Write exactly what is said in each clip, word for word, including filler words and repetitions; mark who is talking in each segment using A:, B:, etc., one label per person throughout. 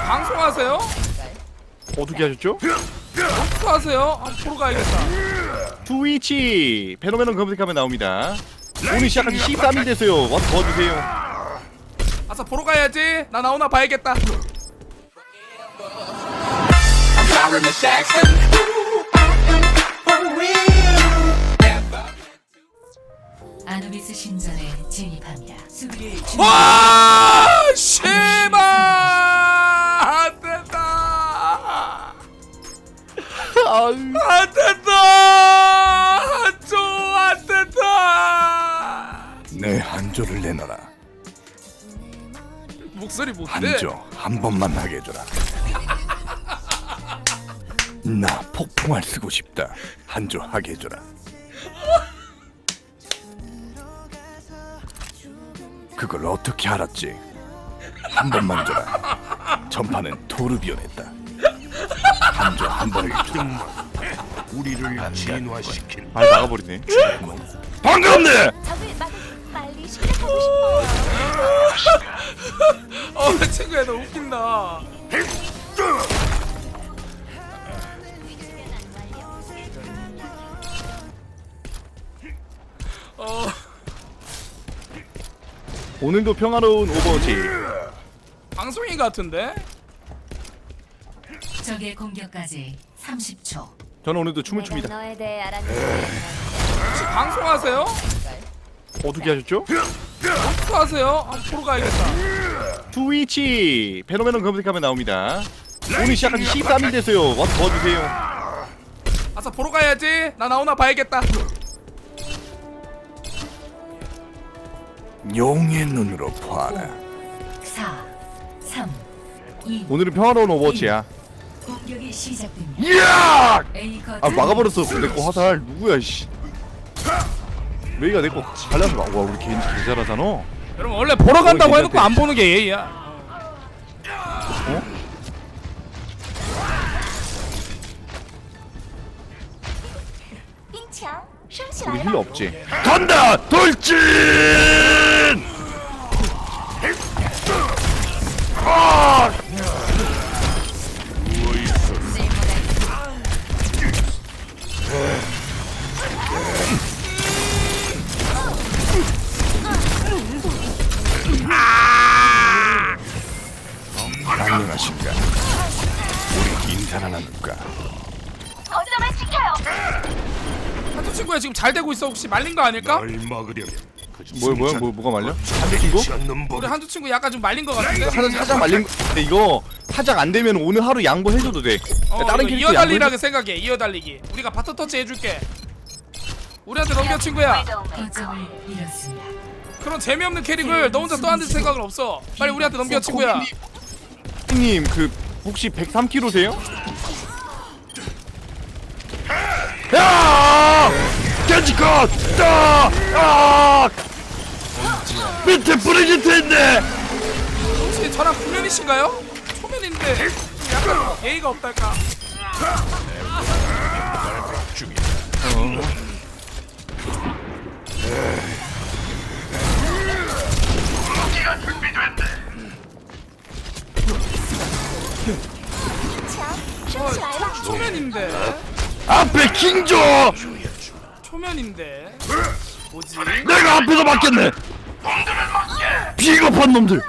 A: 방송하세요?
B: 어떻게 하셨죠?
A: 방송하세요? 아, 보러 가야겠다.
B: 트위치 페노메논 검색하면 나옵니다. 오늘 시작한 지 십삼 일 됐어요. 와서 도와주세요.
A: 아싸 보러 가야지. 나 나오나 봐야겠다.
C: 아누비스 신전에 진입합니다. 수비를 준
A: 와 씨발 안 된다.
B: 아유.
A: 안 된다. 한조 안 된다.
B: 내 한조를 내놔라.
A: 목소리 못돼.
B: 한조 한 번만 하게 해줘라. 나 폭풍알 쓰고 싶다. 한조 하게 해줘라. 그걸 어떻게 알았지? 한 번만 줘라. 전파는 토르비온했다. 한조 한 번을 좀
D: 우리를 진화시킨
B: 아 나가버리네. 반갑네.
E: 적을 막 빨리 시작하고 싶어요.
A: 어 친구야 너 웃긴다. 어
B: 오늘도 평화로운 오버워치.
A: 방송인 같은데?
C: 적의 공격까지 삼십 초.
B: 저는 오늘도 춤을
E: 내가
B: 춥니다.
E: 너에 대해 알았는데
A: 혹시 방송하세요?
B: 어떻게 하셨죠?
A: 방송하세요? 아, 보러 가야겠다.
B: 트위치 페노메논 검색하면 나옵니다. 오늘 시작한 지 십삼 일 됐어요. 와서 도와주세요.
A: 아싸 보러 가야지. 나 나오나 봐야겠다.
B: 용의 눈으로 봐라.
C: 사, 삼, 이.
B: 오늘은 평화로운 오버워치야.
C: 공격이 시작됩니다.
B: 이야!
C: A 거점.
B: 아 막아버렸어. 내 거 화살 누구야 씨. 메이가 내 거 갈라서 막. 와 우리 개인지 개 잘하잖아.
A: 여러분 원래 보러 간다고
B: 어,
A: 해놓고 안 보는 게 예의야.
B: 어?
E: 빙창 샹시
B: 우리
E: 알바
B: 힐러 없지? 간다! 돌진! 아! 안녕하십니까? 우리 인사나 나눌까?
E: 거점을 지켜요.
A: 한두 친구야 지금 잘 되고 있어. 혹시 말린 거 아닐까?
D: 날 막으려면 그
B: 뭐야 뭐야 뭐 뭐가 말려? 한대 친구?
D: 않는 법
A: 우리 한두 친구 약간 좀 말린 거 같은데?
B: 사장 사장 말린 거. 근데 이거 사장 안 되면 오늘 하루 양보해줘도 돼.
A: 어,
B: 다른
A: 이거
B: 캐릭터
A: 이어달리라고 생각해. 이어달리기. 우리가 바터 터치 해줄게. 우리한테 넘겨 친구야.
C: 거점을 잃었습니다.
A: 그런 재미없는 캐릭을 너 혼자 떠안을 생각은 없어. 빨리 우리한테 넘겨 친구야.
B: 형님 그 혹시 백삼 킬로세요? 야! 겐지컷! 아! 아! 밑에 브리기트인데!
A: 혹시 저랑 구면이신가요? 초면인데 약간 예의가 없달까?
E: 빙창 샹시 알바.
A: 초면인데
B: 앞에 킹조!
A: 초면인데 뭐지?
B: 내가 앞에서 맞겠네! 비겁한 놈들!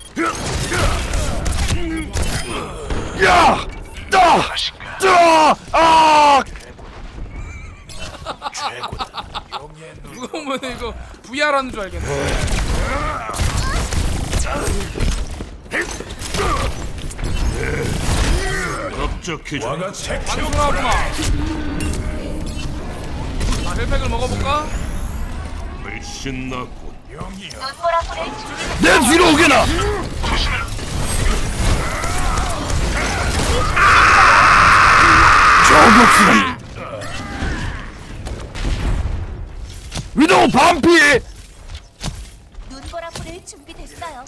B: 야! 따! 따! 아!
A: 누가 보면 이거 브이알 하는 줄 알겠네.
D: 업적해줘
A: 방송하구나. 아 헬팩을 먹어볼까?
D: 훨씬 낫고
E: 눈보라불을 준비.
B: 내 뒤로 오게나! 저격수는 위도우 반피!
E: 눈보라불을 준비됐어요.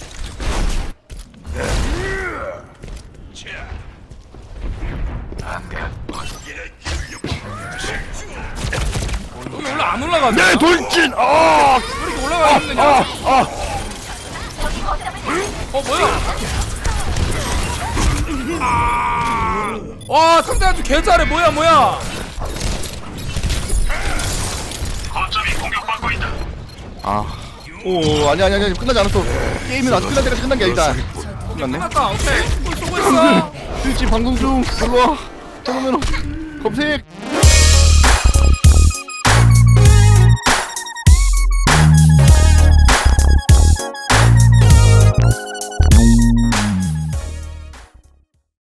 A: 여기 원래 안 올라가네.
B: 내 돌진! 아!
A: 왜 이렇게 올라가 있느냐?
B: 아! 아!
E: 저기 거점을
A: 어 뭐야? 와 상대 아주 개잘해. 뭐야 뭐야.
B: 아. 오 아니 아니 아니 끝나지 않았어. 게임은 아직 끝날 때까지 끝난 게 아니다. 끝났네.
A: 끝났다. 오케이. 뭘 쏘고 있어.
B: 스위치 방송 중. 일로 와. 잠깐만. 검색.